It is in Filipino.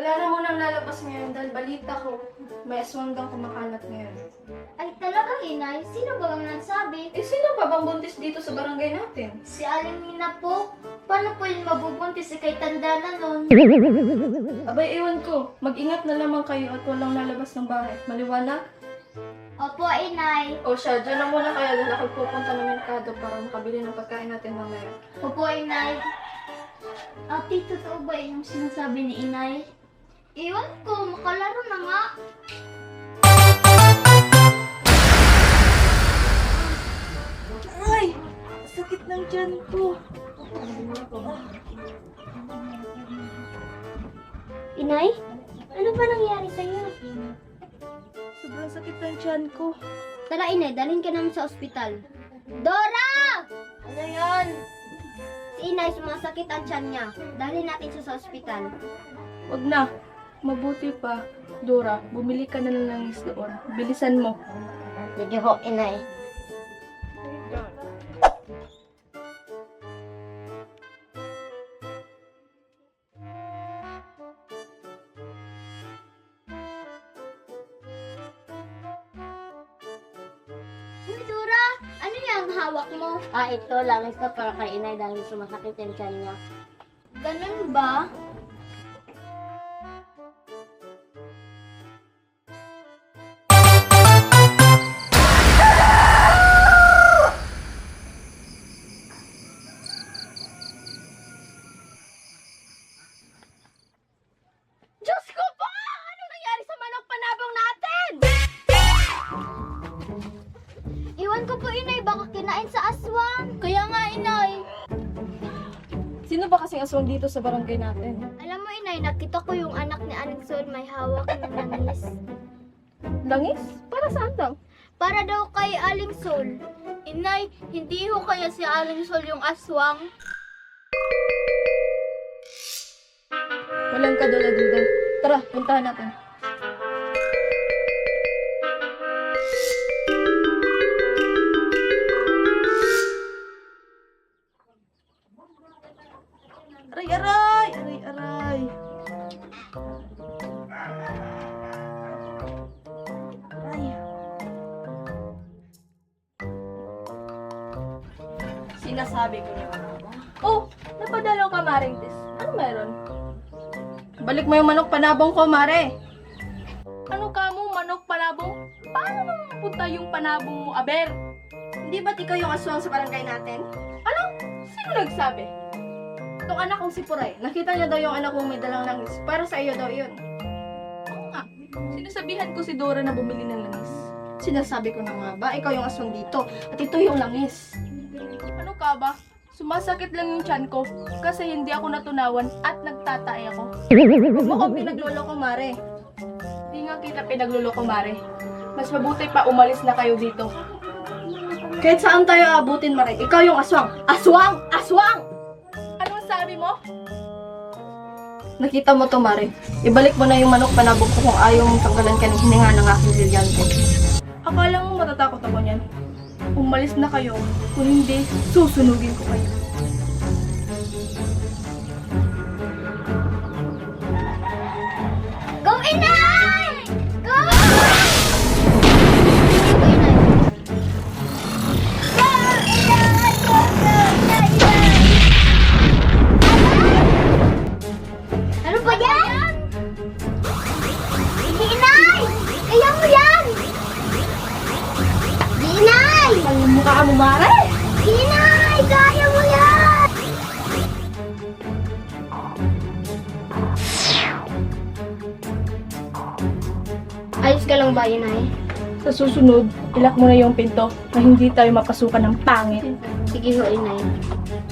Wala na munang lalabas ngayon dahil balita ko, may aswang daw kumakalat ngayon. Ay talagang inay, sino ba ang nagsabi? Eh, sino pa bang buntis dito sa barangay natin? Si Aling Nina po. Paano po yung mabubuntis kay tanda na nun? Abay, ewan ko. Mag-ingat na lamang kayo at walang lalabas ng bahay. Maliwanag? Opo, inay. O siya, dyan na muna kaya dahil ako pupunta ng merkado para makabili ng pagkain natin mamaya. Opo, inay. Ate, totoo ba yung sinasabi ni inay? Iwan ko, makalaro na nga. Ay! Sakit ng tiyan ko. Inay? Ano ba nangyari sa'yo? Sobrang sakit ng tiyan ko. Tara, inay, dalhin ka namin sa ospital. Dora! Ano yan? Si inay, sumasakit ang tiyan niya. Dalhin natin siya sa ospital. Wag na. Mabuti pa. Dora, bumili ka na ng langis doon. Bilisan mo. Sige ho, inay. Uy, Dora! Ano yung hawak mo? Ito lang ito para kay inay dahil sumasakit yung tiyan niya. Ganun ba? Diyos ko po! Anong nangyari sa manok panabong natin? Iwan ko po, inay. Baka kinain sa aswang. Kaya nga, inay. Sino ba kasing aswang dito sa barangay natin? Alam mo, inay, nakita ko yung anak ni Aling Sol may hawak ng langis. Langis? Para saan daw? Para daw kay Aling Sol. Inay, hindi ho kaya si Aling Sol yung aswang? Walang kadula-dula. Tara, puntahan natin. Aray, aray! Aray, aray! Aray. Sinasabi ko na. Oh, napadalaw ka, Maring Tis. Ano meron? Balik mo yung manok panabong ko, Mare. Ano ka mo, manok panabong? Paano naman mapunta yung panabong mo, Aber? Hindi ba't ikaw yung aswang sa barangay natin? Ano? Sino nagsabi? Itong anak kong si Puray. Nakita niya daw yung anak kong may dalang langis. Para sa iyo daw yun. Oo nga. Sinasabihan ko si Dora na bumili ng langis. Sinasabi ko na nga ba, ikaw yung aswang dito. At ito yung langis. Ano ka ba? Sumasakit lang yung tiyan ko kasi hindi ako natunawan at nagtatay ako. Huwag mo akong pinagloloko, Mare. Hindi nga kita pinagloloko, Mare. Mas mabuti pa umalis na kayo dito. Kahit saan tayo abutin, Mare. Ikaw yung aswang. Aswang! Aswang! Anong sabi mo? Nakita mo to, Mare. Ibalik mo na yung manok panabog ko kung ayaw mong tanggalan ka ng hininga ng aking brilyante. Akala mo matatakot ako niyan? Umalis na kayo. Kung hindi, susunugin ko kayo. Go, inay! Go! Ano ba yan? Hindi, inay! Kaya mo yan! Hindi, inay! Ang mukha mo, Mare! Inay! Kaya mo yan! Ayos ka lang ba, Inay? Sa susunod, ilak mo na yung pinto na hindi tayo mapasukan ng pangit. Sige ho, inay.